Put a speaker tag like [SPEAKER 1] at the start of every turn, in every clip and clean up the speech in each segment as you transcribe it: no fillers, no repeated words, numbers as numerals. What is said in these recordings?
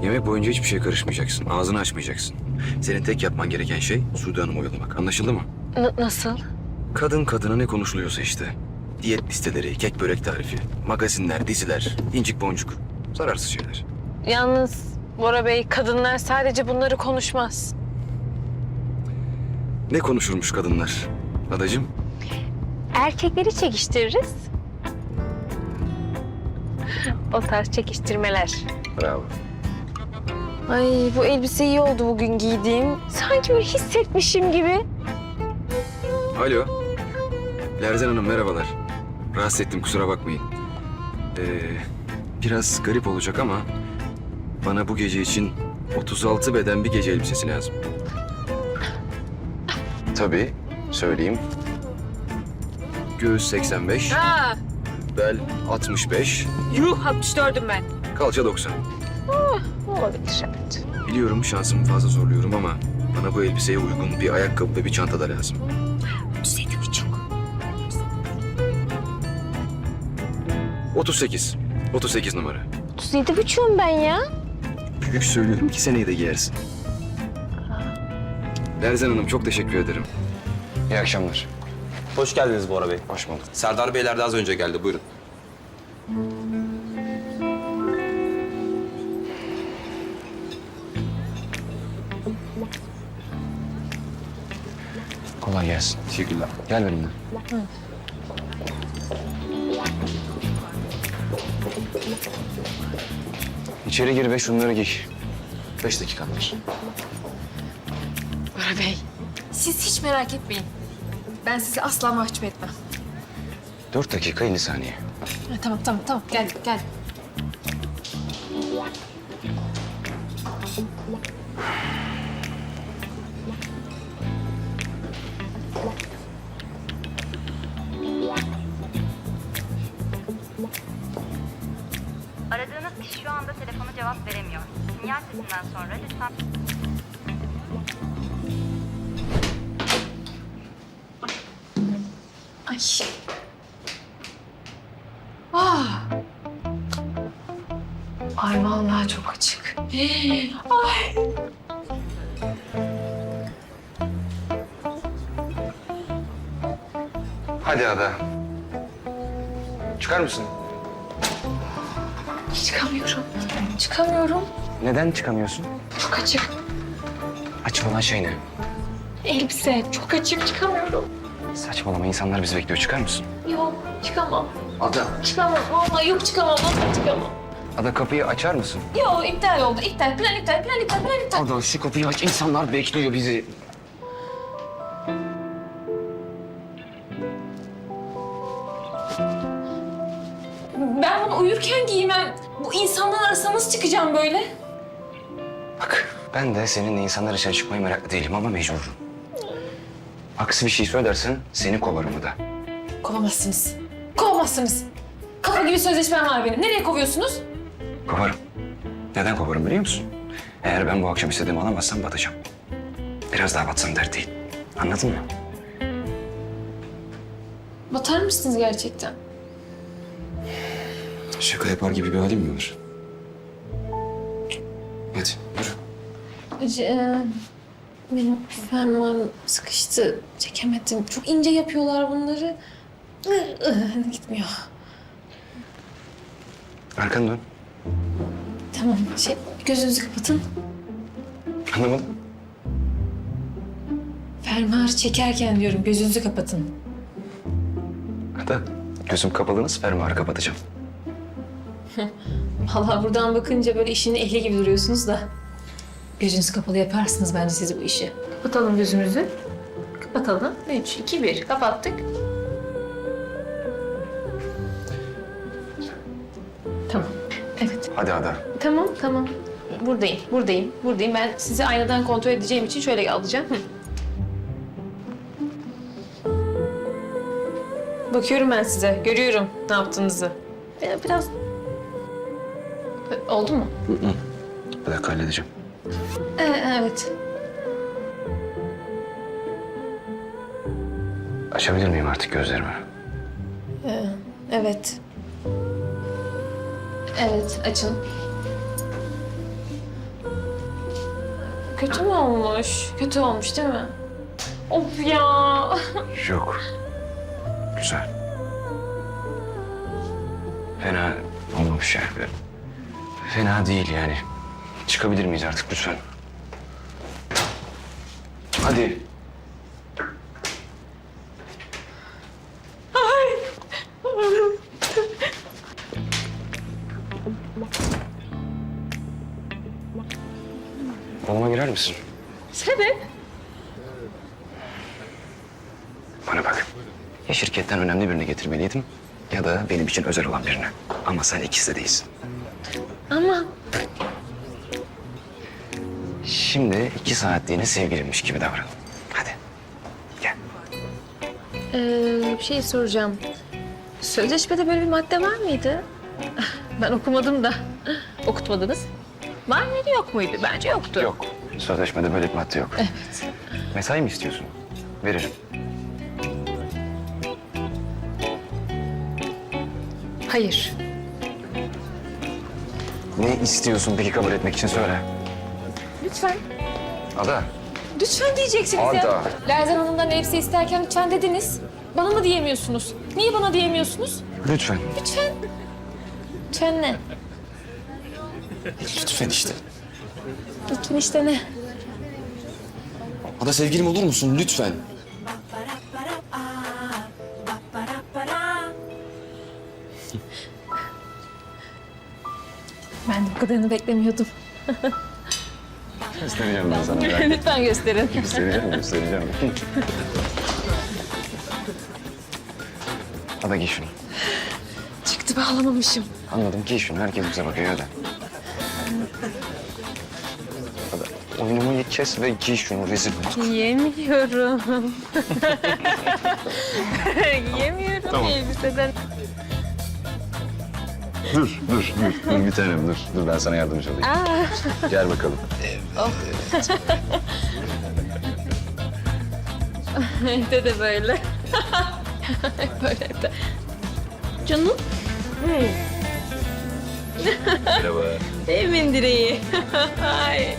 [SPEAKER 1] Yemek boyunca hiçbir şey karışmayacaksın. Ağzını açmayacaksın. Senin tek yapman gereken şey Sude Hanım'ı oyalamak. Anlaşıldı mı?
[SPEAKER 2] Nasıl?
[SPEAKER 1] Kadın kadına ne konuşuluyorsa işte. Diyet listeleri, kek börek tarifi, magazinler, diziler, incik boncuk. Zararsız şeyler.
[SPEAKER 2] Yalnız Bora Bey, kadınlar sadece bunları konuşmaz.
[SPEAKER 1] Ne konuşurmuş kadınlar? Adacığım?
[SPEAKER 2] Erkekleri çekiştiririz. O tarz çekiştirmeler.
[SPEAKER 1] Bravo.
[SPEAKER 2] Ay, bu elbise iyi oldu bugün giydiğim. Sanki böyle hissetmişim gibi.
[SPEAKER 1] Alo. Lerzen Hanım merhabalar. Rahatsız ettim kusura bakmayın. Biraz garip olacak ama bana bu gece için 36 beden bir gece elbisesi lazım. Tabii söyleyeyim. Göğüs 85,
[SPEAKER 2] Ha,
[SPEAKER 1] bel 65,
[SPEAKER 2] yuh 64'üm ben.
[SPEAKER 1] kalça 90.
[SPEAKER 2] Olabilir, evet.
[SPEAKER 1] Biliyorum şansımı fazla zorluyorum ama bana bu elbiseye uygun bir ayakkabı ve bir çanta da lazım.
[SPEAKER 2] 37,5.
[SPEAKER 1] 38. 38 numara.
[SPEAKER 2] 37,5'um ben ya.
[SPEAKER 1] Büyük söylüyorum ki seneye de giyersin. Lerzen Hanım çok teşekkür ederim. İyi akşamlar.
[SPEAKER 3] Hoş geldiniz Bora Bey.
[SPEAKER 1] Hoş bulduk.
[SPEAKER 3] Serdar Beyler de az önce geldi. Buyurun.
[SPEAKER 1] Kolay gelsin.
[SPEAKER 3] Teşekkürler.
[SPEAKER 1] Gel benimle. İçeri gir ve şunları giy. 5 dakikan var.
[SPEAKER 4] Bora Bey, siz hiç merak etmeyin. Ben sizi asla mahcup etmem.
[SPEAKER 1] 4 dakika 50 saniye.
[SPEAKER 4] Ha, tamam. Gel.
[SPEAKER 5] Aradığınız kişi şu anda telefona cevap veremiyor. Sinyal sesinden sonra lütfen...
[SPEAKER 4] Ay. Ah. Ay vallahi çok açık. Ay.
[SPEAKER 1] Hadi Ada. Çıkar mısın?
[SPEAKER 4] Çıkamıyorum.
[SPEAKER 1] Neden çıkamıyorsun?
[SPEAKER 4] Çok açık.
[SPEAKER 1] Açık olan şey ne?
[SPEAKER 4] Elbise çok açık, çıkamıyorum.
[SPEAKER 1] Saçmalama insanlar bizi bekliyor. Çıkar mısın?
[SPEAKER 4] Yok, çıkamam.
[SPEAKER 1] Ada.
[SPEAKER 4] Çıkamam. Vallahi yok çıkamam. Vallahi çıkamam.
[SPEAKER 1] Ada kapıyı açar mısın?
[SPEAKER 4] Yok, iptal oldu. İptal. Plan iptal.
[SPEAKER 1] Ada şu kapıyı aç. İnsanlar bekliyor bizi.
[SPEAKER 4] Ben bunu uyurken giymem. Bu insanlar arasına nasıl çıkacağım böyle?
[SPEAKER 1] Bak ben de seninle insanlar için çıkmayı meraklı değilim ama mecburum. Aksi bir şey söylersen seni kovarım Ada.
[SPEAKER 4] Kovamazsınız. Kafa gibi sözleşmem var benim. Nereye kovuyorsunuz?
[SPEAKER 1] Kovarım. Neden kovarım biliyor musun? Eğer ben bu akşam istediğimi alamazsam batacağım. Biraz daha batsam dert değil. Anladın mı?
[SPEAKER 4] Batar mısınız gerçekten?
[SPEAKER 1] Şaka yapar gibi bir halim mi var? Hadi yürü.
[SPEAKER 4] Benim fermuarım sıkıştı. Çekemedim. Çok ince yapıyorlar bunları. Gitmiyor.
[SPEAKER 1] Arkanı dön.
[SPEAKER 4] Tamam. Gözünüzü kapatın.
[SPEAKER 1] Anlamadım.
[SPEAKER 4] Fermuarı çekerken diyorum gözünüzü kapatın.
[SPEAKER 1] Ada gözüm kapalı nasıl fermuarı kapatacağım?
[SPEAKER 4] Vallahi buradan bakınca böyle işin ehli gibi duruyorsunuz da. Gözünüzü kapalı yaparsınız bence siz bu işi. Kapatalım gözümüzü. Kapatalım. 3, 2, 1. Kapattık. Tamam. Evet.
[SPEAKER 1] Hadi Ada.
[SPEAKER 4] Tamam. Buradayım. Ben sizi aynadan kontrol edeceğim için şöyle alacağım. Bakıyorum ben size. Görüyorum ne yaptığınızı. Biraz... Oldu mu?
[SPEAKER 1] Bir dakika halledeceğim.
[SPEAKER 4] Evet.
[SPEAKER 1] Açabilir miyim artık gözlerimi?
[SPEAKER 4] Evet. Evet, açın. Kötü mü olmuş? Kötü olmuş değil mi? Of ya.
[SPEAKER 1] Yok. Güzel. Fena olmamış yani. Fena değil yani. Çıkabilir miyiz artık lütfen? Hadi. Odama girer misin?
[SPEAKER 4] Sebep?
[SPEAKER 1] Bana bak. Ya şirketten önemli birini getirmeliydim ya da benim için özel olan birini. Ama sen ikisi de değilsin.
[SPEAKER 2] Ama
[SPEAKER 1] Şimdi 2 saatliğine sevgilimmiş gibi davran. Hadi. Gel.
[SPEAKER 2] bir şey soracağım. Sözleşmede böyle bir madde var mıydı?
[SPEAKER 4] Ben okumadım da. Okutmadınız. Var mıydı yok muydu? Bence yoktu.
[SPEAKER 1] Yok. Sözleşmede böyle bir madde yok.
[SPEAKER 4] Evet.
[SPEAKER 1] Mesai mi istiyorsun? Veririm.
[SPEAKER 4] Hayır.
[SPEAKER 1] Ne istiyorsun peki kabul etmek için söyle.
[SPEAKER 4] Lütfen.
[SPEAKER 1] Ada.
[SPEAKER 4] Lütfen diyeceksiniz
[SPEAKER 1] Ada.
[SPEAKER 4] ya. Lerzan Hanım'dan elbise isterken lütfen dediniz. Bana mı diyemiyorsunuz? Niye bana diyemiyorsunuz?
[SPEAKER 1] Lütfen.
[SPEAKER 4] Lütfen. Lütfen ne?
[SPEAKER 3] Lütfen işte.
[SPEAKER 4] Lütfen işte ne?
[SPEAKER 3] Ada sevgilim olur musun lütfen?
[SPEAKER 4] Ben de bu kadarını beklemiyordum.
[SPEAKER 1] Göstereceğim ben sana.
[SPEAKER 4] Lütfen gösterin.
[SPEAKER 1] Göstereceğim. Ada giy şunu.
[SPEAKER 2] Çıktı bağlamamışım.
[SPEAKER 1] Anladım, giy şunu. Herkes bize bakıyor hadi. Ada, oyunumu kes ve giy şunu rezil olduk.
[SPEAKER 2] Yiyemiyorum. Yiyemiyorum elbiseden.
[SPEAKER 1] Dur bir tanem dur. Dur ben sana yardımcı olayım. Gel bakalım.
[SPEAKER 2] Evde de böyle. Böyle de. Canım.
[SPEAKER 1] Merhaba.
[SPEAKER 2] Evimin direği. Ay.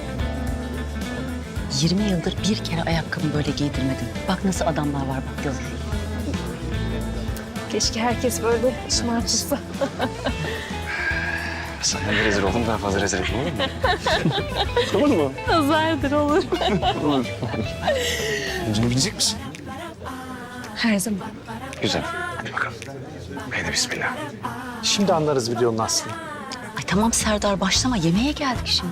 [SPEAKER 6] 20 yıldır bir kere ayakkabımı böyle giydirmedim. Bak nasıl adamlar var bak gör.
[SPEAKER 2] Keşke herkes böyle şımartılsa.
[SPEAKER 1] Sana bir rezil oldum, daha fazla rezil etme olur mu? Olur mu?
[SPEAKER 2] Nazardır olur.
[SPEAKER 1] Yüzünü bilecek misin?
[SPEAKER 2] Her zaman.
[SPEAKER 1] Güzel. Hadi bakalım. Haydi bismillah.
[SPEAKER 7] Şimdi anlarız videonun aslını.
[SPEAKER 6] Ay tamam Serdar başlama yemeğe geldik şimdi.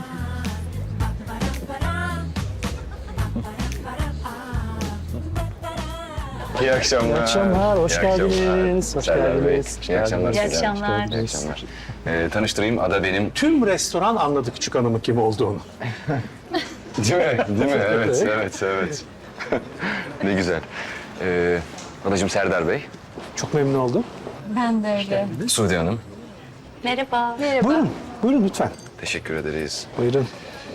[SPEAKER 1] İyi akşamlar.
[SPEAKER 7] İyi akşamlar, hoş
[SPEAKER 1] İyi
[SPEAKER 7] geldiniz. Hoş
[SPEAKER 1] Serdar Bey,
[SPEAKER 7] geldiniz.
[SPEAKER 1] İyi akşamlar.
[SPEAKER 6] İyi akşamlar.
[SPEAKER 1] İyi akşamlar. Tanıştırayım, Ada benim.
[SPEAKER 7] Tüm restoran anladı küçük hanımın kim olduğunu.
[SPEAKER 1] Değil mi? Değil mi? Evet. Ne güzel. Adacığım Serdar Bey,
[SPEAKER 7] Çok memnun oldum.
[SPEAKER 2] Ben de öyle.
[SPEAKER 1] Suudi Hanım.
[SPEAKER 6] Merhaba.
[SPEAKER 7] Buyurun, buyurun lütfen.
[SPEAKER 1] Teşekkür ederiz.
[SPEAKER 7] Buyurun.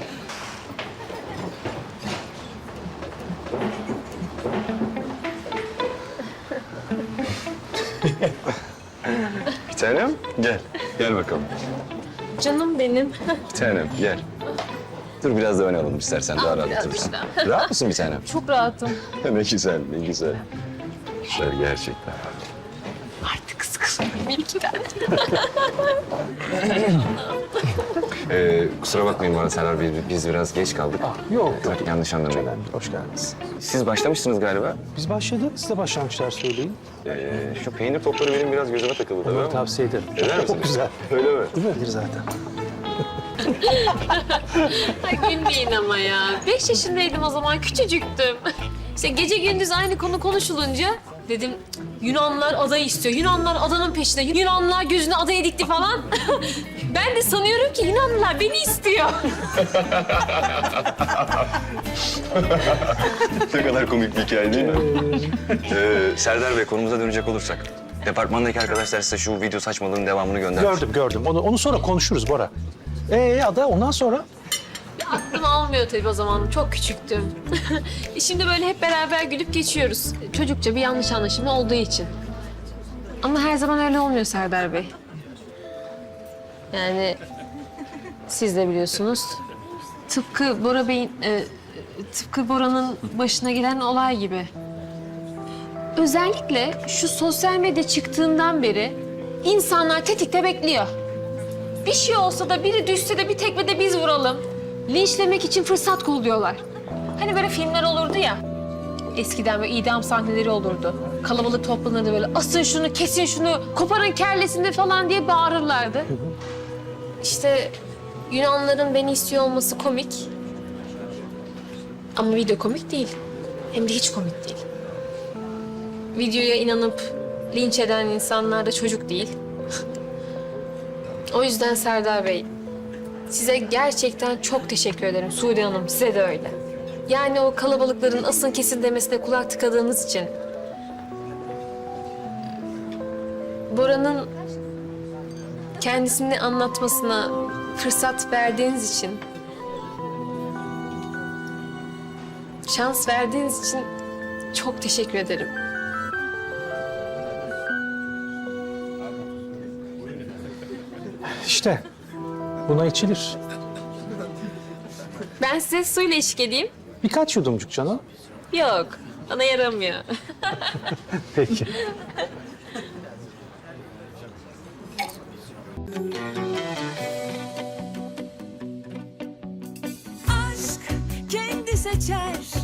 [SPEAKER 1] Bir tanem, gel. Gel bakalım.
[SPEAKER 2] Canım benim.
[SPEAKER 1] Bir tanem, gel. Dur biraz da ön alalım istersen, daha rahat oturursun. Rahat mısın bir tanem?
[SPEAKER 2] Çok rahatım.
[SPEAKER 1] Ne güzel, ne güzel. Güzel gerçekten.
[SPEAKER 6] Artık sıkı.
[SPEAKER 1] Kusura bakmayın bana Serdar Bey, biz biraz geç kaldık.
[SPEAKER 7] Yok,
[SPEAKER 1] Tabii yanlış anlamayın.
[SPEAKER 7] hoş geldiniz.
[SPEAKER 1] Siz başlamışsınız galiba.
[SPEAKER 7] Biz başladık, siz de başlangıçlar söyleyin.
[SPEAKER 1] Şu peynir topları benim biraz gözüme takıldı tabii
[SPEAKER 7] Onları
[SPEAKER 1] ama.
[SPEAKER 7] tavsiye ederim.
[SPEAKER 1] Eder misiniz?
[SPEAKER 7] Çok güzel.
[SPEAKER 1] Öyle mi?
[SPEAKER 7] Değil mi? Bilir zaten.
[SPEAKER 2] Ay gülmeyin ama ya. 5 yaşındaydım o zaman, küçücüktüm. İşte gece gündüz aynı konu konuşulunca dedim Yunanlar adayı istiyor. Yunanlar adanın peşinde. Yunanlar gözünü adaya dikti falan. Ben de sanıyorum ki Yunanlılar beni istiyor.
[SPEAKER 1] Ne kadar komik bir hikaye değil mi? Serdar Bey, konumuza dönecek olursak. Departmandaki arkadaşlar size şu video saçmalığının devamını göndermiş.
[SPEAKER 7] Gördüm. Onu sonra konuşuruz Bora. Ada ondan sonra?
[SPEAKER 2] Aklım almıyor tabii o zaman. Çok küçüktüm. Şimdi böyle hep beraber gülüp geçiyoruz. Çocukça bir yanlış anlaşılma olduğu için. Ama her zaman öyle olmuyor Serdar Bey. Yani siz de biliyorsunuz. tıpkı Bora Bey'in, tıpkı Bora'nın başına gelen olay gibi. Özellikle şu sosyal medya çıktığından beri insanlar tetikte bekliyor. Bir şey olsa da biri düşse de bir tekmede biz vuralım. Linçlemek için fırsat kolluyorlar. Hani böyle filmler olurdu ya. Eskiden böyle idam sahneleri olurdu. Kalabalık toplanırdı böyle asın şunu, kesin şunu, koparın kellesini falan diye bağırırlardı. İşte Yunanların beni istiyor olması komik. Ama video komik değil. Hem de hiç komik değil. Videoya inanıp linç eden insanlar da çocuk değil. O yüzden Serdar Bey, size gerçekten çok teşekkür ederim. Sude Hanım, size de öyle. Yani o kalabalıkların asın kesin demesine kulak tıkadığınız için. Bora'nın kendisini anlatmasına fırsat verdiğiniz için, şans verdiğiniz için çok teşekkür ederim.
[SPEAKER 7] İşte buna içilir.
[SPEAKER 2] Ben size suyla eşlik edeyim.
[SPEAKER 7] Birkaç yudumcuk canım.
[SPEAKER 2] Yok, bana yaramıyor.
[SPEAKER 7] Peki.
[SPEAKER 8] aşk kendi seçer